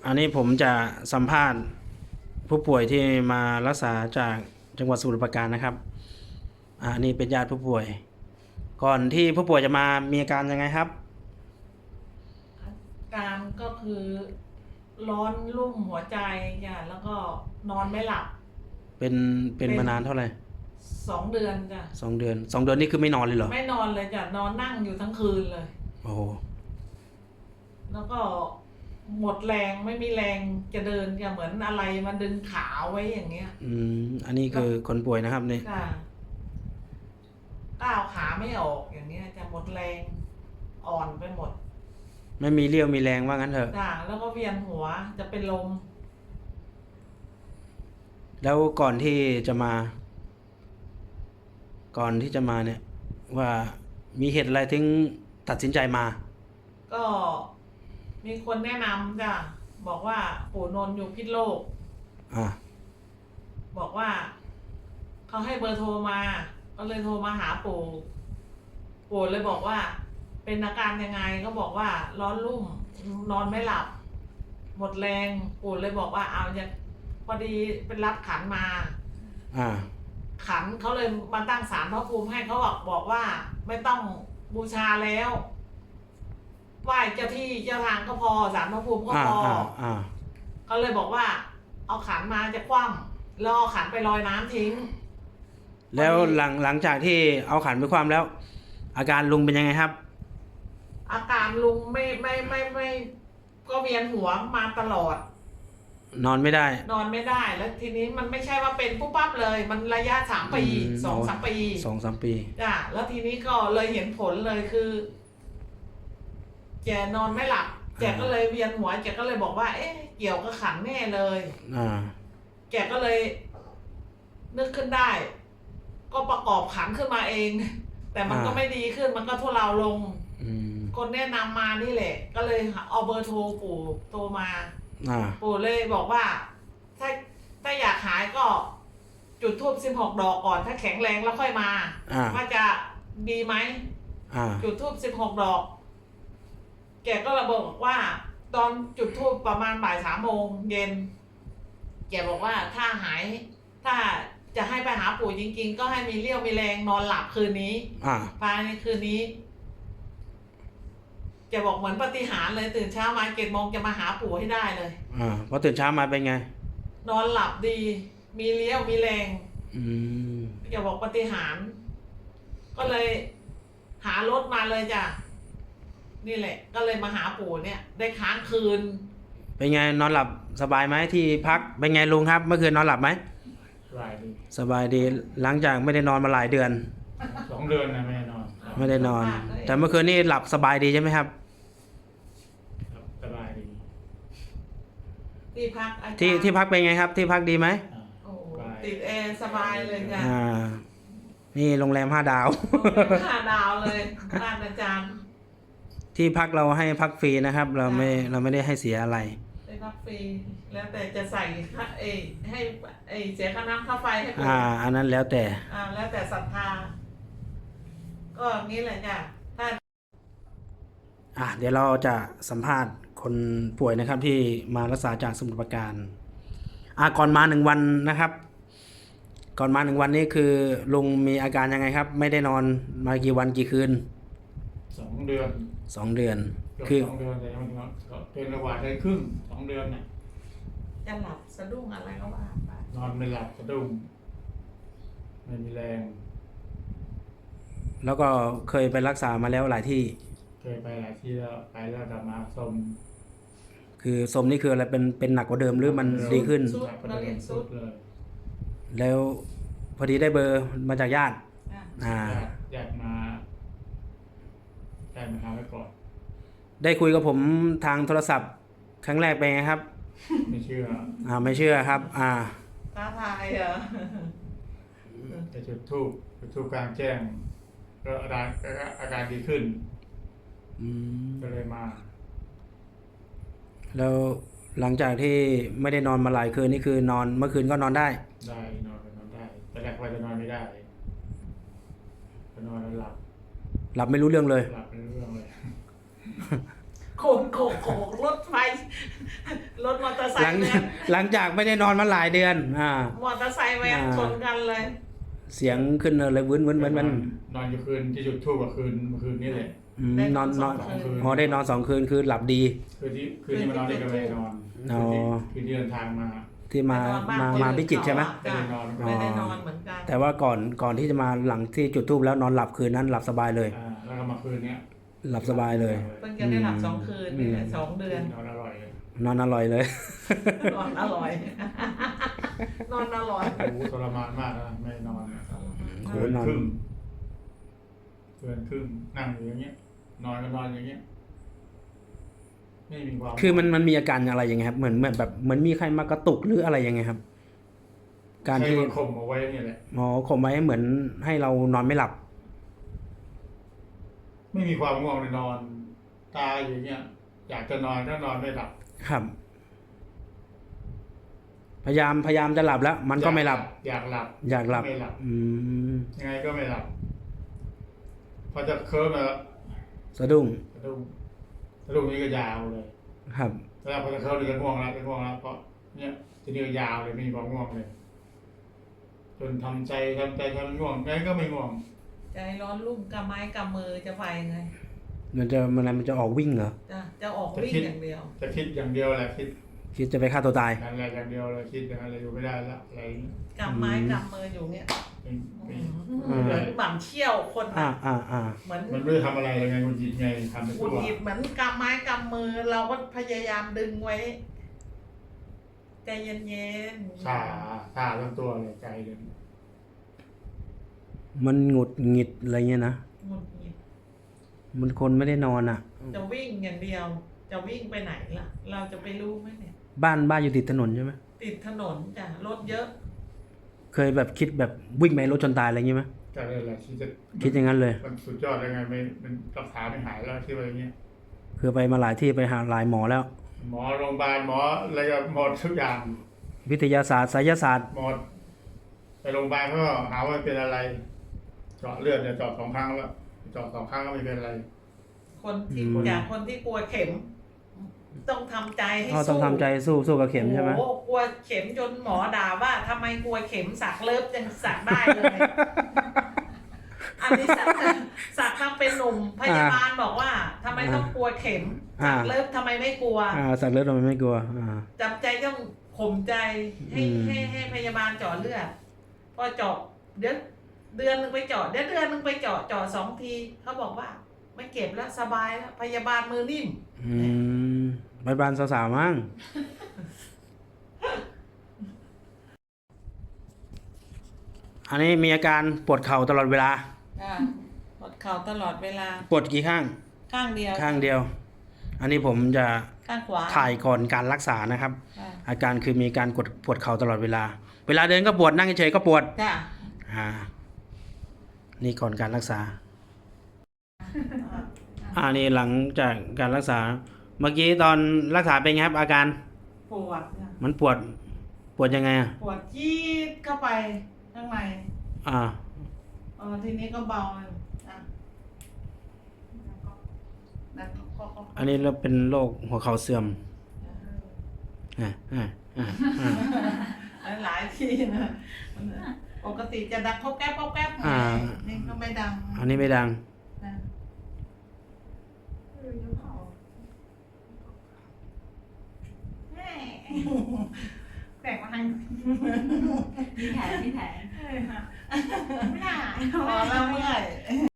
อันนี้ผมจะสัมภาษณ์ผู้ป่วยที่มารักษาจากจังหวัดสมุทรปราการนะครับอันนี้เป็นญาติผู้ป่วย ก่อนที่ผู้ป่วยจะมามีอาการยังไงครับอาการก็คือร้อนรุ่มหัวใจจ้ะแล้วก็นอนไม่หลับเป็นมานานเท่าไหร่ 2 เดือนจ้ะ 2 เดือนนี่คือไม่นอนเลยเหรอไม่นอนเลยจ้ะนอนนั่งอยู่ทั้งคืนเลยโอ้โหแล้วก็หมดแรงไม่มีแรงจะเดินจะเหมือนอะไรมันดึงขาไว้อย่างเงี้ยอันนี้คือคนป่วยนะครับนี่จ้ะก้าวขาไม่ออกอย่างเงี้ยจะหมดแรงอ่อนไปหมดไม่มีเรี่ยวมีแรงว่างั้นเถอะจ้ะแล้วก็เวียนหัวจะเป็นลมแล้วก่อนที่จะมาเนี่ยว่ามีเหตุอะไรถึงตัดสินใจมาก็มีคนแนะนำจ้ะบอกว่าปู่นนท์อยู่พิษโลกอ่าบอกว่าเขาให้เบอร์โทรมาก็เลยโทรมาหาปู่เลยบอกว่าเป็นอาการยังไงก็บอกว่าร้อนรุ่มนอนไม่หลับหมดแรงปู่เลยบอกว่าเอาอย่างพอดีเป็นรับขันมาขันเขาเลยมาตั้งศาลพระภูมิให้เขาบอกว่าไม่ต้องบูชาแล้วไหว้เจ้าที่เจ้าทางก็พอศาลพระภูมิก็พอเขาเลยบอกว่าเอาขันมาจะคว่ำแล้วเอาขันไปลอยน้ำทิ้งแล้วหลังจากที่เอาขันไปคว่ำแล้ว อาการลุงเป็นยังไงครับอาการลุงไม่ก็เวียนหัวมาตลอดนอนไม่ได้แล้วทีนี้มันไม่ใช่ว่าเป็นปุ๊บปั๊บเลยมันระยะ3 ปี2-3 ปี 2-3 ปีจ้ะแล้วทีนี้ก็เลยเห็นผลเลยคือแกนอนไม่หลับแกก็เลยเวียนหัวแกก็เลยบอกว่าเอ๊ะเกี่ยวกับขันแน่เลยแกก็เลยนึกขึ้นได้ ก็ประกอบขันขึ้นมาเองแต่มันก็ไม่ดีขึ้นมันก็ทุเลาลงคนแนะนำมานี่แหละก็เลยเอาเบอร์โทรปู่โทรมาปู่เลยบอกว่าถ้าอยากหายก็จุดธูป16 ดอกก่อนถ้าแข็งแรงแล้วค่อยมาว่าจะดีไหมจุดธูป16 ดอกแกก็ระบอกว่าตอนจุดธูปประมาณบ่าย3 โมงเย็นแกบอกว่าถ้าหายถ้าจะให้ไปหาปู่จริงๆก็ให้มีเรี่ยวมีแรงนอนหลับคืนนี้ภายในคืนนี้จะบอกเหมือนปาฏิหาริย์เลยตื่นเช้ามา7 โมงจะมาหาปู่ให้ได้เลยพอตื่นเช้ามาเป็นไงนอนหลับดีมีเรี่ยวมีแรงจะบอกปาฏิหาริย์ก็เลยหารถมาเลยจ้ะนี่แหละก็เลยมาหาปู่เนี่ยได้ค้างคืนเป็นไงนอนหลับสบายไหมที่พักเป็นไงลุงครับเมื่อคืนนอนหลับไหมสบายดีหลังจากไม่ได้นอนมาหลายเดือน 2 เดือนนะไม่ได้นอนแต่เมื่อคืนนี่หลับสบายดีใช่ไหมครับสบายดีที่พักที่พักเป็นไงครับที่พักดีไหมติดแอร์สบายเลยจ้ะนี่โรงแรม5 ดาว 5 ดาวเลยบ้านอาจารย์ที่พักเราให้พักฟรีนะครับเราไม่ได้ให้เสียอะไรได้พักฟรีแล้วแต่จะใส่ให้เสียค่าน้ำค่าไฟให้อันนั้นแล้วแต่แล้วแต่ศรัทธาก็งี้แหละจ้ะเดี๋ยวเราจะสัมภาษณ์คนป่วยนะครับที่มารักษาจากสมุทรปราการก่อนมา1 วันนะครับก่อนมา1 วันนี้คือลุงมีอาการยังไงครับไม่ได้นอนมากี่วันกี่คืน 2 เดือนคือ 2 เดือนแต่มันเป็นระหว่างเดือนครึ่ง2 เดือนเนี่ยจะหลับสะดุ้งอะไรก็ว่าไปนอนไม่หลับสะดุ้งไม่มีแรงแล้วก็เคยไปรักษามาแล้วหลายที่เคยไปหลายที่แล้วไปแล้วกลับมาสมคือสมนี่คืออะไรเป็นหนักกว่าเดิมหรือมันดีขึ้นสุดเลยแล้วพอดีได้เบอร์มาจากญาติญาติมาหาไว้ก่อนได้คุยกับผมทางโทรศัพท์ครั้งแรกเป็นไงครับไม่เชื่อไม่เชื่อครับท้าทายเหรอจะจุดธูปกลางแจ้งก็อาการดีขึ้นก็เลยมาแล้วหลังจากที่ไม่ได้นอนมาหลายคืนนี่คือนอนเมื่อคืนก็นอนได้นอนได้แต่แรกว่าจะนอนไม่ได้จะนอนแล้วหลับไม่รู้เรื่องเลยโขกโขกโขกรถไฟรถมอเตอร์ไซหลังค์แวนหลังจากไม่ได้นอนมาหลายเดือนมอเตอร์ไซค์แวนชนกันเลยเสียงขึ้นเลยวื้นวื้นมันนอนอยู่คืนที่จุดทูบกับคืนเมื่อคืนนี่แหละนอน 2 คืนอ๋อได้นอน2 คืนคือหลับดีคืนที่มานอนนี่ก็ไม่ได้นอนอ๋อคืนที่เดินทางมาที่มาไปนอนบ้านมาพิจิตรใช่ไหมไม่ได้นอนไม่ได้นอนเหมือนกันแต่ว่าก่อนที่จะมาหลังที่จุดธูปแล้วนอนหลับคืนนั้นหลับสบายเลยแล้วก็มาคืนเนี้ยหลับสบายเลยเพิ่งจะได้หลับ2 คืนนี่แหละ2 เดือนนอนอร่อยเลยนอนอร่อยเลยนอนอร่อย นอนอร่อยโอ้โหทรมานมากนะไม่นอนโหเกินนอนครึ่งนั่งอยู่อย่างเงี้ย นอนก็นอนอย่างเงี้ยไม่มีความคือมันมีอาการอะไรยังไงครับเหมือนแบบเหมือนมีใครมากระตุกหรืออะไรยังไงครับ การใช้ที่มันข่มเอาไว้เนี่ยแหละหมอข่มไว้เหมือนให้เรานอนไม่หลับไม่มีความง่วงเลยนอน ตาอย่างเงี้ย อยากจะนอนก็นอนไม่หลับครับ พยายามจะหลับแล้ว มันก็ไม่หลับอยากหลับอยากหลับไม่หลับอืมยังไงก็ไม่หลับ พอจะเคิร์มแล้วสะดุ้งสะดุ้งนี่ก็ยาวเลยครับแล้วพอจะเคิร์มนี่จะง่วงแล้วเพราะเนี่ยทีนี้ก็ยาวเลยไม่มีความง่วงเลย จนทำใจง่วงไงก็ไม่ง่วงใจร้อนรุ่มกำไม้กำมือจะไปไงมันจะออกวิ่งเหรอจะออกวิ่งอย่างเดียวจะคิดอย่างเดียวแหละคิดคิดจะไปฆ่าตัวตายอะไรอย่างเดียวเลยคิดอย่างอะไรอยู่ไม่ได้ละอะไรอย่างนี้กำไม้กำมืออยู่เนี่ยไม่ไม่เหมือนหม่ำเชี่ยวคนอ่านะอ่าเหมือนมันไม่ได้ทำอะไรเลยไงคุณจิตไงทำไปหงุทั่ดวหงิดเหมือนกำไม้กำมือ เราก็พยายามดึงไว้ ใจเย็นๆชาทั้งตัวเลยใจเลยมันหงุดหงิดอะไรเงี้ยนะหงุดหงิดมันคนไม่ได้นอนอ่ะจะวิ่งอย่างเดียว จะวิ่งไปไหนล่ะ เราจะไปรู้ไหมเนี่ยบ้านอยู่ติดถนนใช่ไหมติดถนนจ้ะรถเยอะเคยแบบคิดแบบวิ่งไปรถชนตายอะไรเงี้ยไหมก็เลยแหละที่จะคิดอย่างนั้นเลยมันสุดยอดยังไงไม่มันรักษาไม่หายแล้วที่ว่าอย่างเงี้ยคือไปมาหลายที่ไปหาหลายหมอแล้วหมอโรงพยาบาลหมออะไรก็หมดทุกอย่างวิทยาศาสตร์ไสยศาสตร์หมดไปโรงพยาบาลเขาก็หาว่าเป็นอะไร เจาะเลือดเนี่ยเจาะ2 ครั้งแล้วเจาะ2 ครั้งก็ไม่เป็นอะไรคนที่จากคนที่กลัวเข็ม ต้องทำใจให้อ๋อต้อสู้งทำใจสู้กับเข็มใช่ไหมโอ้โหกลัวเข็มจนหมอด่าว่าทำไมกลัวเข็มสักเลิฟยังสักได้เลย อันนี้สักทำเป็นหนุ่มพยาบาลบอกว่าทำไมต้องกลัวเข็มสักเลิฟทำไมไม่กลัวสัตว์เลือดมันไม่กลัวจำใจต้องข่มใจให้อืมให้พยาบาลเจาะเลือดพอเจาะเดี๋ยวเดือนหนึงไปเจาะเดือนหนึงไปเจาะ2 ทีเขาบอกว่า ไม่เก็บแล้วสบายแล้วพยาบาลมือนิ่มไปบ้านสาวๆมั้งอันนี้มีอาการปวดเข่าตลอดเวลาปวดเข่าตลอดเวลาปวดกี่ข้างข้างเดียวข้างเดียว อันนี้ผมจะข้างขวาถ่ายก่อนการรักษานะครับจ้ะอาการคือมีการปวดเข่าตลอดเวลา เวลาเดินก็ปวดนั่งเฉยๆก็ปวดจ้ะนี่ก่อนการรักษา นี่หลังจากการรักษา เมื่อกี้ตอนรักษาเป็นไงครับ อาการปวดจ้ะมันปวดยังไงอ่ะปวดจี๊ดเข้าไปข้างในอ่าทีนี้ก็เบาเลยนั่นก็อันนี้เราเป็นโรคหัวเข่าเสื่อมหลายที่นะปกติจะดังครบแก๊บนี่ก็ไม่ดังอันนี้ไม่ดังนะแปลกมาทางมีแผลพอแล้วเมื่อย